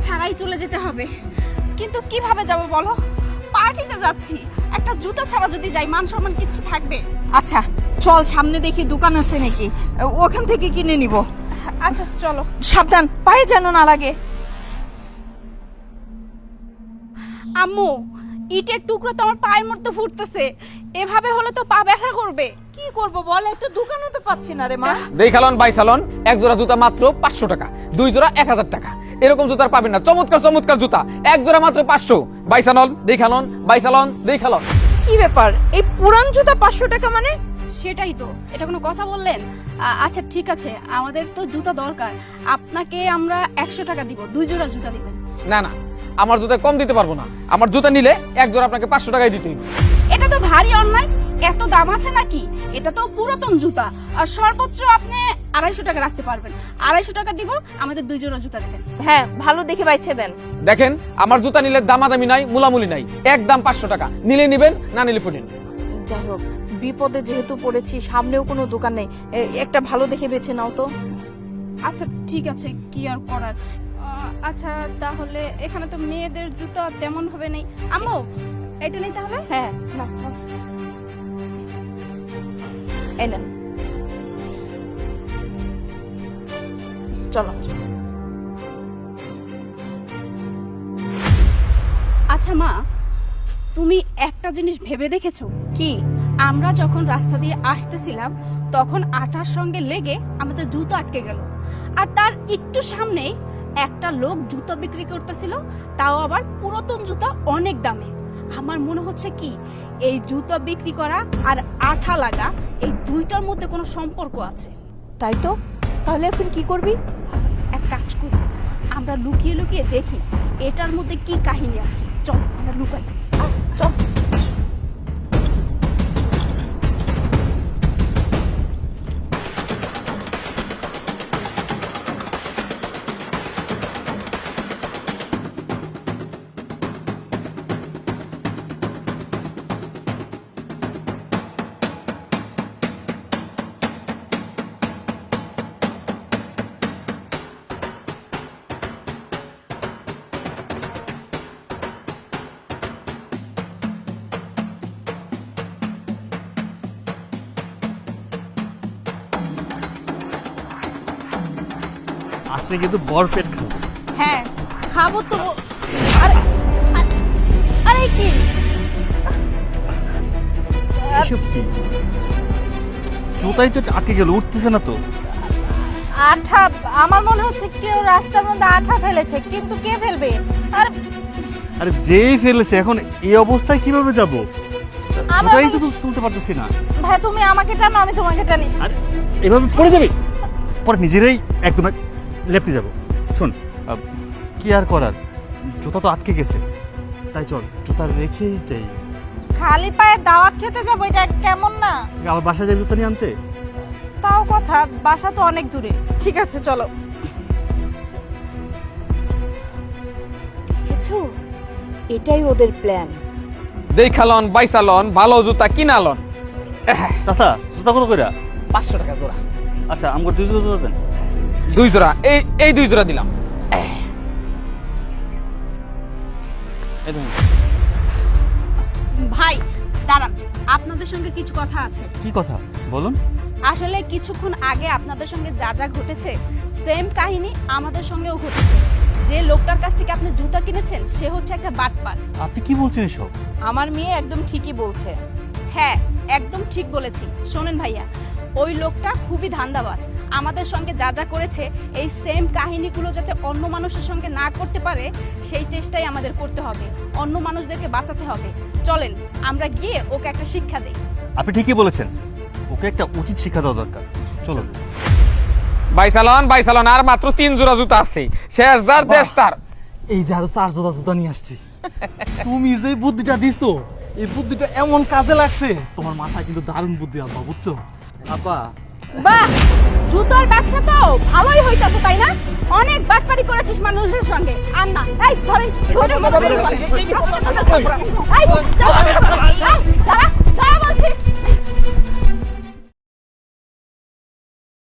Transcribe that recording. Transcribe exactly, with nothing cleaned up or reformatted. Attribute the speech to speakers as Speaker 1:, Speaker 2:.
Speaker 1: ছাড়াই চলে যেতে হবে। কিন্তু কিভাবে যাব বলো? পার্টিতে যাচ্ছি, একটা জুতা ছাড়া যদি যাই মান সম্মান কিচ্ছু থাকবে?
Speaker 2: আচ্ছা চল, সামনে দেখি দোকান আছে নাকি, ওখান থেকে কিনে নিব।
Speaker 1: আচ্ছা চলো।
Speaker 2: সাবধান, পায়ে যেন না লাগে।
Speaker 1: আম্মু, ইটের টুকরো তো আমার পায়ের মধ্যে ফুটতেছে, এভাবে হলে তো পা ব্যথা করবে।
Speaker 2: কি করব বল, একটা দোকানও তো পাচ্ছি না রে মা।
Speaker 3: দেখালন বাইসালন, এক জোড়া জুতা মাত্র পাঁচশো টাকা, দুই জোড়া এক হাজার টাকা। এরকম জুতার পাবেন না, চমৎকার চমৎকার জুতা এক জোড়া মাত্র পাঁচশো। বাইসালন দেখালন, বাইসালন দেখালন।
Speaker 2: কি ব্যাপার, এই পুরান জুতা পাঁচশো টাকা মানে?
Speaker 1: সেটাই তো, এটা কোনো কথা বললেন? আ- আচ্ছা ঠিক আছে, আমাদের তো জুতা দরকার, আপনাকে আমরা একশো টাকা দিব, দুই জোড়া জুতা দিবেন।
Speaker 3: না না, আমার জুতা কম দিতে পারবো না। আমার জুতা নিলে এক জোড়া আপনাকে পাঁচশো টাকায় দিতে হবে।
Speaker 1: এটা তো ভারী অন্যায়, এত দাম আছে নাকি? এটা তো পুরাতন জুতা, আর সর্বোচ্চ আপনি আড়াইশো টাকা রাখতে পারবেন। আড়াইশো টাকা দিব, আমাদের দুই জোড়া জুতা দেবেন।
Speaker 2: হ্যাঁ ভালো দেখে বাইছে দেন।
Speaker 3: দেখেন, আমার জুতা নিলে দামাদামি নাই, মুলামুলি নাই, একদম পাঁচশো টাকা। নিলে নিবেন, না নিলে ফুটেন।
Speaker 2: যাই হোক, বিপদে যেহেতু পড়েছি, সামনেও কোনো দোকান নেই, এ- একটা ভালো দেখে বেছে নাও তো।
Speaker 1: আচ্ছা ঠিক আছে, কি আর করার। আহ, আচ্ছা তাহলে এখানে তো মেয়েদের জুতা তেমন ভাবে নেই। আম্মু, এটা নেই তাহলে?
Speaker 2: হ্যাঁ নাও, নাও। এই নেন, চলো।
Speaker 1: আচ্ছা মা, তুমি একটা জিনিস ভেবে দেখেছো?
Speaker 2: কি?
Speaker 1: আমরা যখন রাস্তা দিয়ে আসতেছিলাম তখন আঠার সঙ্গে লেগে আমাদের জুতো আটকে গেল, আর তার একটু সামনেই একটা লোক জুতো বিক্রি করতেছিল, তাও আবার পুরাতন জুতা, অনেক দামে। আমার মনে হচ্ছে কি এই জুতো বিক্রি করা আর আঠা লাগা, এই দুইটার মধ্যে কোনো সম্পর্ক আছে।
Speaker 2: তাই তো, তাহলে এখন কি করবি?
Speaker 1: এক কাজ করি, আমরা লুকিয়ে লুকিয়ে দেখি এটার মধ্যে কি কাহিনী আছে। চল আমরা লুকাই।
Speaker 2: আহ, চল।
Speaker 4: আজকে কিন্তু বরপেট খাবো।
Speaker 1: হ্যাঁ খাবো তো। আরে আরে কি
Speaker 4: এসব কি? জুতাই তো আটকে গেল, উঠতেছে না তো।
Speaker 2: আঠা, আমার মনে হচ্ছে কেউ রাস্তার মধ্যে আঠা ফেলেছে, কিন্তু কে ফেলবে? আর
Speaker 4: আরে যেই ফেলেছে, এখন এই অবস্থায় কিভাবে যাব?
Speaker 2: আমি-
Speaker 4: জুতাই তো তুলতে পারতেছি না।
Speaker 2: ভাই তুমি আমাকে টানো, আমি তোমাকে টানি।
Speaker 4: আরে এভাবে পড়ে যাবে, পরে নিজেরাই একদম লেপটে যাব। শোন, আহ, কি আর করার, জুতা তো আটকে গেছে, তাই চল জুতা রেখেই যাই।
Speaker 2: খালি পায়ে দাওয়াত খেতে যাবো, এটা কেমন না?
Speaker 4: আবার বাসায় যাই জুতা নিয়ে আনতে।
Speaker 2: তাও কথা, বাসা তো অনেক দূরে। ঠিক আছে চলো। দেখেছো, এটাই ওদের প্ল্যান।
Speaker 3: দেখালন, বাইসালন, ভালো জুতা কিনালন।
Speaker 4: চাচা জুতা কত কইরা?
Speaker 3: পাঁচশো টাকা জোড়া,
Speaker 4: আচ্ছা আমার দুই জুতা দেন।
Speaker 3: দুই জোড়া, এই এই দুই জোড়া দিলাম।
Speaker 4: এই দেখুন।
Speaker 1: ভাই দাঁড়ান, আপনাদের সঙ্গে কিছু কথা আছে।
Speaker 4: কি কথা বলুন?
Speaker 1: আসলে কিছুক্ষণ আগে আপনাদের সঙ্গে যা যা ঘটেছে, সেম কাহিনী আমাদের সঙ্গেও ঘটেছে। যে লোকটার কাছ থেকে আপনি জুতা কিনেছেন সে হচ্ছে একটা বাটপার।
Speaker 4: আপনি কি বলছেন এসব?
Speaker 2: আমার মেয়ে একদম ঠিকই বলছে।
Speaker 1: হ্যাঁ একদম ঠিক বলেছি। শোনেন ভাইয়া, ওই লোকটা খুবই ধান্দাবাজ। আমাদের সঙ্গে যা যা করেছে, এই সেম কাহিনীগুলো যাতে অন্য মানুষের সঙ্গে না করতে পারে সেই চেষ্টাই আমাদের করতে হবে। অন্য মানুষদেরকে বাঁচাতে হবে। চলেন আমরা গিয়ে ওকে একটা শিক্ষা দেই।
Speaker 4: আপনি ঠিকই বলেছেন, ওকে একটা উচিত শিক্ষা দেওয়া দরকার। চলো।
Speaker 3: বাইসালন, বাইসালন, আর মাত্র তিন জোড়া জুতা আছে, শেষ যার দেশ তার।
Speaker 4: এই যে আরো চার জোড়া জুতা নিয়ে আসছি। তুমি যে বুদ্ধিটা দিছো, এই বুদ্ধিটা এমন কাজে লাগছে, তোমার মাথায় কিন্তু দারুণ বুদ্ধি আব্বা, বুঝছো? আব্বা
Speaker 1: বাহ, জুতোর ব্যবসা তো ভালোই হইতাছে তাই না? অনেক বাটপারি করেছিস মানুষের সঙ্গে। আর না, এই ধরেন, ধরে ধরে ধরে, এই, চল, এই, দাঁড়া।